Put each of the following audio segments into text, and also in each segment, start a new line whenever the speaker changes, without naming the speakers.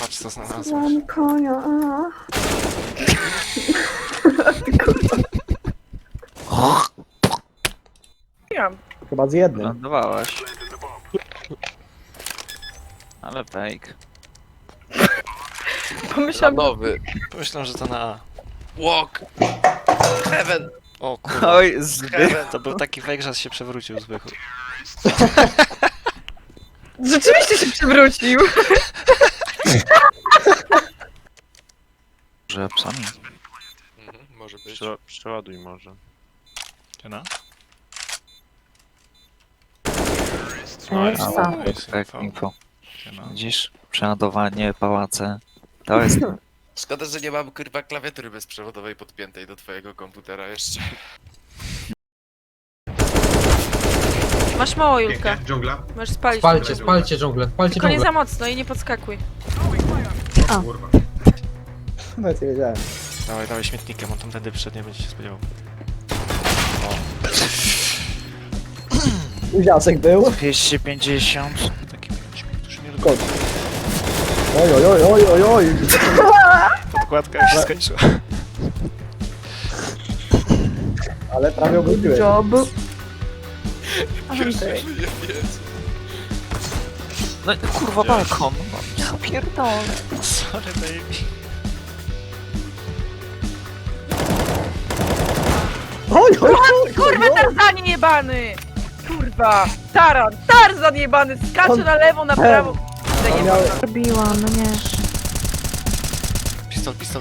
Zobacz co znalazłeś.
Mam konia, a.
Chyba z jednym.
Lądowałaś. Ale fake.
Pomyślałam,
Nowy.
Pomyślałem, że to na A.
Walk. Heaven.
O kurwa.
Oj, zbyt.
To był taki fake, że się przewrócił Zbychu.
rzeczywiście się przewrócił.
Że psami.
Może być.
Przeładuj może.
No.
Essa.
Tak, info.
No.
Widzisz? Przeładowanie, pałace. To jest...
Szkoda, że nie mam kurwa klawiatury bezprzewodowej podpiętej do twojego komputera jeszcze.
Masz mało, Julka.
Pięknie, dżungla.
Możesz spalić.
Spalcie dżunglę, spalcie
Tylko nie
dżunglę.
za mocno i nie podskakuj.
Kurwa.
Nawet nie wiedziałem.
Dawaj, dawaj śmietnikiem, on tam wtedy przyszedł, nie będzie się spodziewał.
Uziasek był.
250.
Taki śmiech, którzy nie lubią.
Kot. Oj, oj, oj, oj, oj, oj.
Podkładka już się skończyła.
Ale prawie obróciłem.
Job.
No kurwa, balkon. Ja pierdolę.
Sorry baby.
Oj, oj, oj,
Kurwa, Tarzan jebany! Kurwa! Tarzan jebany! Skacze na lewo, na prawo!
On miał...
Robiłam, no nie.
Pistol, pistol.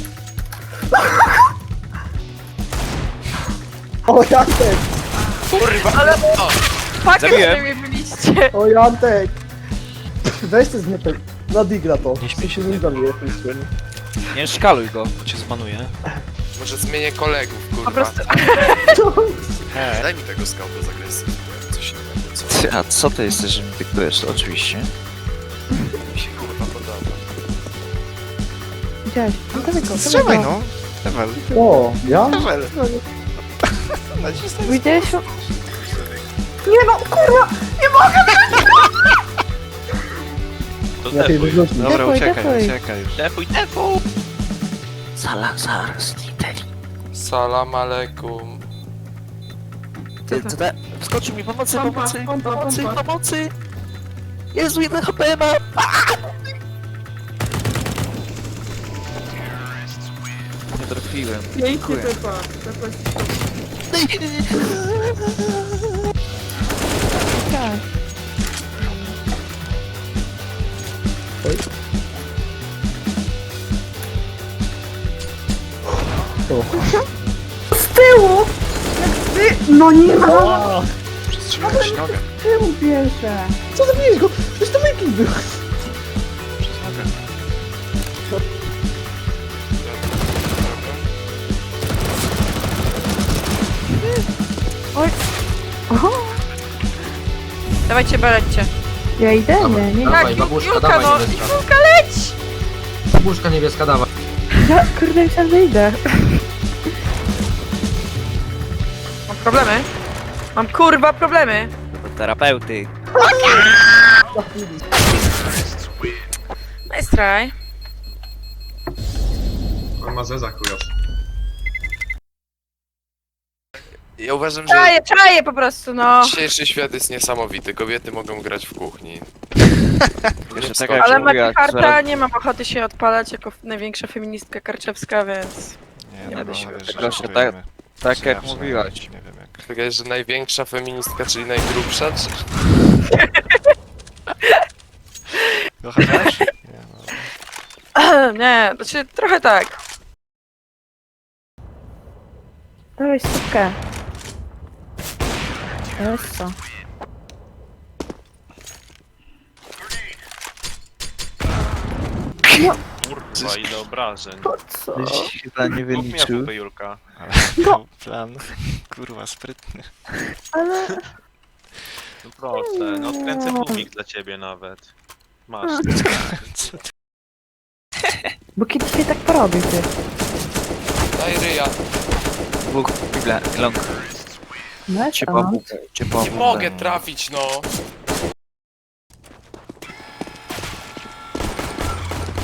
O, Jantek!
Kurwa!
Ale-
O,
Pakiet
Zabiłem.
sobie byliście!
O, Jantek! Weź ty zmietek. Na digra to.
Nie śmiej się.
Nie zabije.
Nie szkaluj go.
Bo cię zbanuje.
może zmienię kolegów, kurwa.
Po prostu...
Hej.
Daj mi tego skauta z agresji. Coś innego, co
Ty, a co ty jesteś, że mi dyktujesz? Oczywiście.
mi się kurwa podoba.
Widziałeś? No to wygo,
Strzelaj no. Ewel.
O, ja?
Ewel. Nacisnij.
Widziałeś? Nie no, kurwa!
To
Ja tej wyrzucił.
Dobra,
Defuj,
uciekaj,
defuj.
uciekaj już.
Defuj! Salazar Sniteli.
Salam aleikum.
Ty, co da? Wskoczył mi pomocy, pomocy! Jezu, 1 HP ma! Nie trafiłem. Dziękuję.
Tak. Z tyłu! Jak ty... No nie ma!
Przestrzeliłem ci nogę.
Z tyłu bierze.
Co zabiłeś go? Przecież to Mickey był.
Przez nogę.
Oj. Oho.
Dawajcie, balećcie.
Ja idę? Nie, nie.
Dawaj,
Tak,
babuszka,
Julka,
dawaj,
no!
niebieska.
Julka, leć!
Babuszka niebieska, dawaj.
Ja kurde myślałam, że idę.
Mam problemy. Mam kurwa problemy.
Do terapeuty.
Nice try.
On ma zeza chujas.
Ja uważam, że
Czaję po prostu, no.
dzisiejszy świat jest niesamowity. Kobiety mogą grać w kuchni.
Jeszcze
Nie
tak
wstąpi.
jak
Ale
mówiłaś,
Mati Harta
zaraz-
nie mam ochoty się odpalać jako największa feministka karczewska, więc...
Nie
będę
no,
się
wiesz,
Proszę,
żartujemy.
tak jak
Ja przynajmniej
mówiłaś.
Nie wiem jak.
Wydaje, że największa feministka, czyli najgrubsza, czy...
Kochasz? Nie no.
Nie, znaczy trochę tak.
Dawaj stówkę. Eso.
Kurwa, ile obrażeń.
Po co?
Tyś chyba nie
Kup mi
wyliczył.
AWP, Julka.
Ale
No.
był plan, kurwa, sprytny.
Ale...
No proszę, no odkręcę tłumik dla ciebie nawet. Masz.
Co ty?
Bo kiedyś się tak porobił, ty.
Daj ryja.
Dwóch, Biblia, long.
No,
Cię
a.
pomógł, cię pomógł.
Nie mogę trafić, no.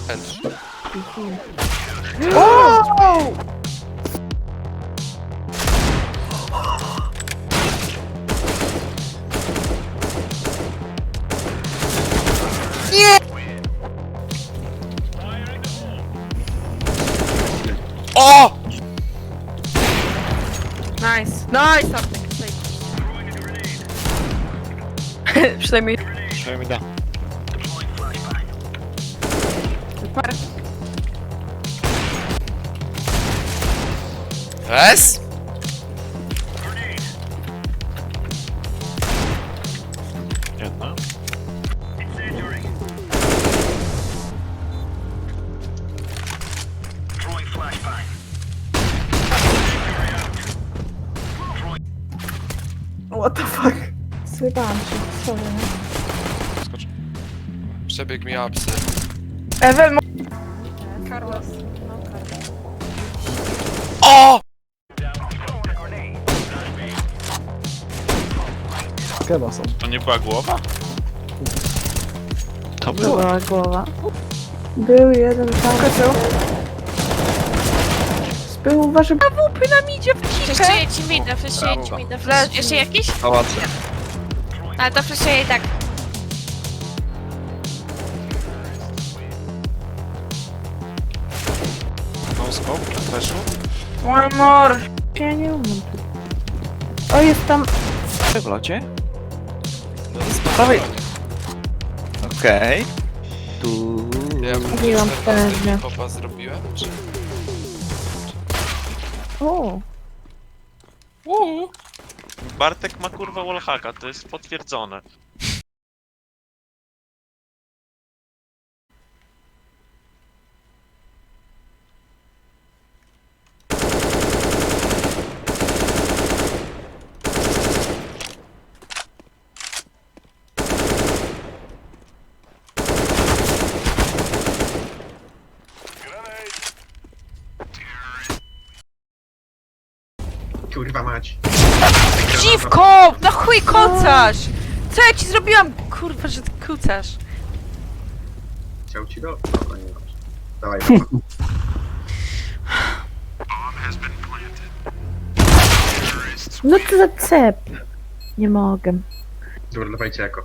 Entry. O!
Nice, nice, Antek, przynajmniej
Przynajmniej da.
super.
Es?
Jedna.
What the fuck? Zjebałam się, sorry.
Skocz.
Przebieg mi apsy.
Ewel, Carlos.
O!
Chyba są.
To nie była głowa?
To było.
Była głowa. Był jeden tam. Był, uważaj.
Łupy nam idzie w cikę.
Fleszuję ci mida, fleszuję ci mida.
Flash.
Jeszcze jakiś?
Pałace.
Ale to fleszuję i tak.
No scope, flashu.
One more.
Ja nie umiem. O, jest tam.
W locie? Prawej. Okej. Tu.
Ja
Mówiłam pewnie.
popa zrobiłem? Czy...
O,
Bartek ma kurwa wallhacka, to jest potwierdzone.
Kurwa mać.
Dziwko! Na chuj kocasz! Co ja ci zrobiłam? Kurwa, że ty kucasz.
Chciał ci do... Dobra, nie dobrze. Dawaj, dobra.
no to za cep. Nie mogę.
Dobra, dawajcie jako.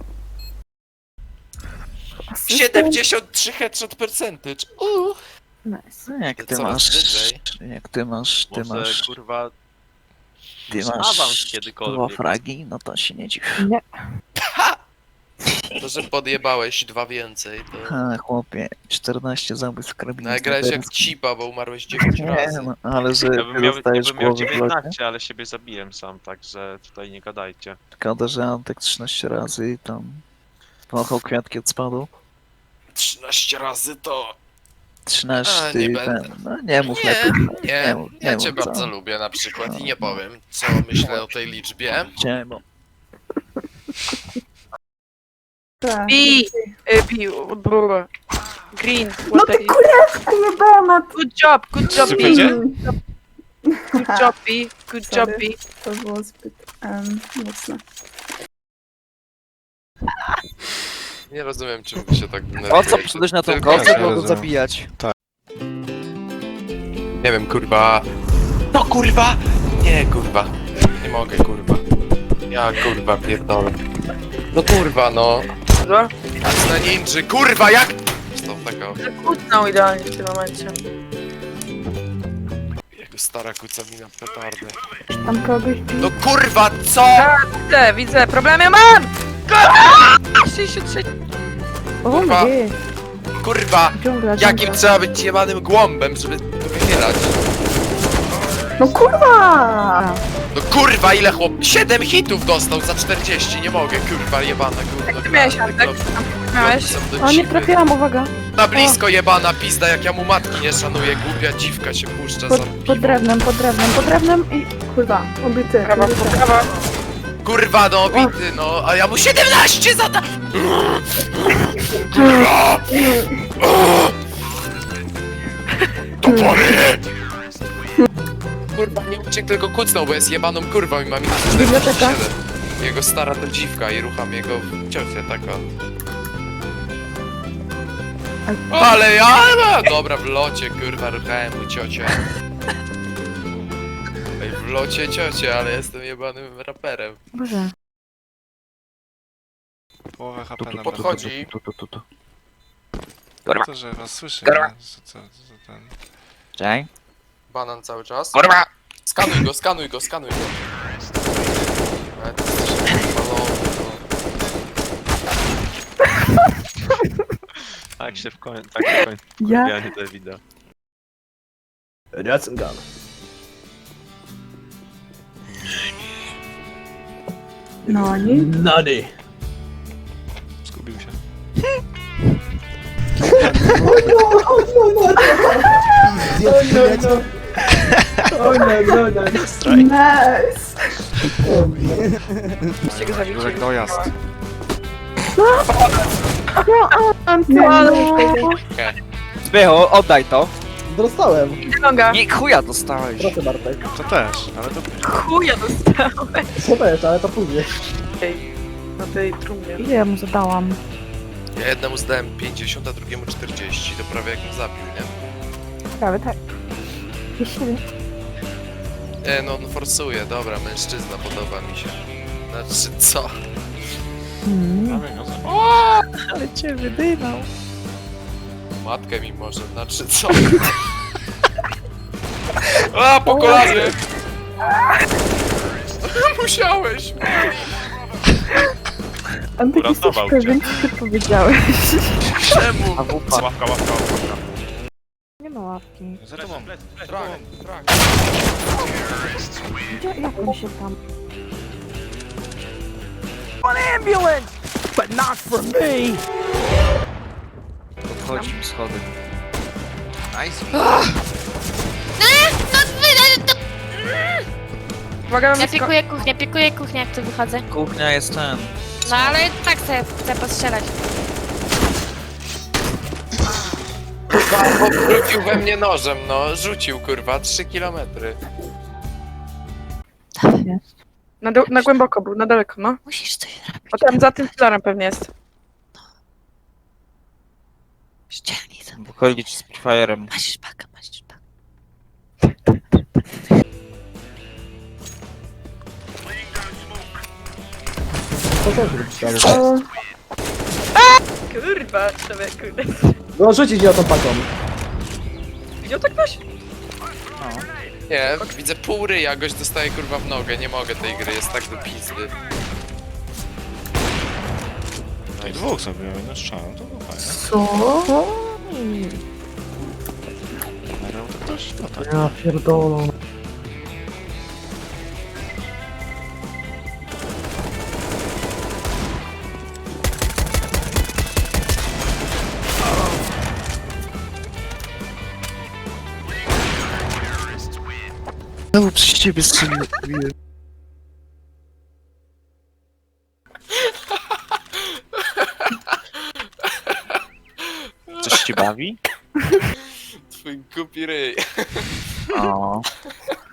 73 headshot percentage.
Nice.
No, jak ty
Coraz
masz.
wyżej.
Jak ty masz. Ty
Może
masz.
kurwa
Ty
awans
masz.
kiedykolwiek.
2 fragi, no to się nie dziw.
To, że podjebałeś 2 więcej, to...
Ha, chłopie, 14 zabójstw karabinu.
No, grałeś jak cipa, bo umarłeś 9
Nie,
razy.
no, ale że
Ja bym miał, ja
dostajesz
bym miał
głowę w locie.
19, ale siebie zabiłem sam, także tutaj nie gadajcie.
Szkoda, że Antek 13 razy i tam pomachał kwiatki od spadu.
13 razy to...
13
A, nie
i
będę.
ten. No nie mów
Nie,
lepiej.
nie,
mów,
ja
mów,
cię
co?
bardzo lubię na przykład i nie powiem, co myślę o tej liczbie.
Nie, bo
Tak.
Bi, brr. Green,
No
what
ty kurewku jebana.
Good job, Bi.
Co będzie?
Good job, Bi. Good job,
Sorry.
Bi.
To było zbyt mocne.
Nie rozumiem, czym wy się tak
o co
denerwujecie.
przyszedłeś na tą
Tylko
kosę,
ja
bo go
rozumiem.
zabijać?
Nie wiem, kurwa... No kurwa! Nie, kurwa. Nie mogę, kurwa. Ja, kurwa, pierdolę. No kurwa, no.
Co?
Na ninży, kurwa, jak... Stop tego.
Zakłócnął idealnie w tym momencie.
Jego stara kuca mi na petardę.
Tam kogoś
No kurwa, co?
Widzę, problemy mam! Kurwa! 63.
O,
Kurwa.
nie.
Kurwa!
Dżungla,
Jakim
dżungla.
trzeba być jebanym głąbem, żeby to wychylać?
No kurwa!
No kurwa, ile chłop... 7 hitów dostał za 40, nie mogę, kurwa, jebana, kurwa.
Ty miałeś, Antek? Miałeś?
O, nie trafiłam, uwaga.
Na blisko jebana pizda, jak ja mu matki nie szanuję, głupia dziwka się puszcza za
Pod
piwo.
drewnem i... Kurwa, obity.
Prawa, prawa.
Kurwa, no bity, no, a ja mu 17 zada... Kurwa! Topory! Kurwa, nie uciekł, tylko kucnął, bo jest jebaną kurwą i ma minus 47. Jego stara to dziwka i rucham jego ciocię taka. Ale ja! Dobra, w locie, kurwa, ruchałem mu ciocię. Ej, w locie ciocie, ale jestem jebanym raperem.
Boże.
Połowę HP na
Podchodzi.
To, że was słyszy, nie? Co ten...
Czekaj.
Banan cały czas. Kurwa! Skanuj go, skanuj go, skanuj go. Ale ty jesteś balony, no.
Tak się kończy
Ja...
kurwianie Davida.
Rasengan.
No nie?
Nady.
Zgubił się.
Nice.
Jurek, dojazd.
Zbychu, oddaj to.
Dostałem.
Longa.
Nie, chuja dostałeś.
Proszę Bartek.
To też, ale to...
Chuja dostałem.
Co też, ale to później.
Na tej trumnie.
Ile ja mu zadałam?
Ja jednemu zdałem 50, a drugiemu 40. To prawie jak mnie zabił, nie?
Prawie tak. Jeśli...
Nie, no on forsuje, dobra, mężczyzna, podoba mi się. Znaczy, co?
Prawie go zabił.
Ale cię wydymał.
Matkę mi może, znaczy, co? A, po kolanie! Musiałeś!
Antek, jesteś
Uratował cię.
pewien, co ty powiedziałeś?
Czemu?
Ławka.
Nie ma łapki.
Za tobą.
Trak.
Gdzie, jak on się tam...
Podchodzi mi schody.
Uwaga,
Ja
mamy
pikuję kuchnię, jak tu wychodzę.
Kuchnia jest ten.
No ale tak sobie chcę postrzelać.
Rzucił we mnie nożem, no. Rzucił, kurwa, 3 kilometry.
na głęboko był, na daleko, no.
Musisz coś zrobić.
O tam za tym filarem pewnie jest.
Ścielnij to.
Wychodzi z Spitfire'em.
Masz szpakę, masz szpakę.
Co też robisz?
Kurwa, człowieku.
No rzucić ją tą paką.
Widział tak ktoś?
Nie, widzę pół ryja, gość dostaje, kurwa, w nogę. Nie mogę tej gry, jest tak do pizdy.
No i dwóch zabiłem, jednym strzałem, to było fajne.
Co?
Merał to ktoś? No tak.
Ja pierdolę.
Znowu przez ciebie strzeliłem. Coś cię bawi?
Twój głupi ryj.
O.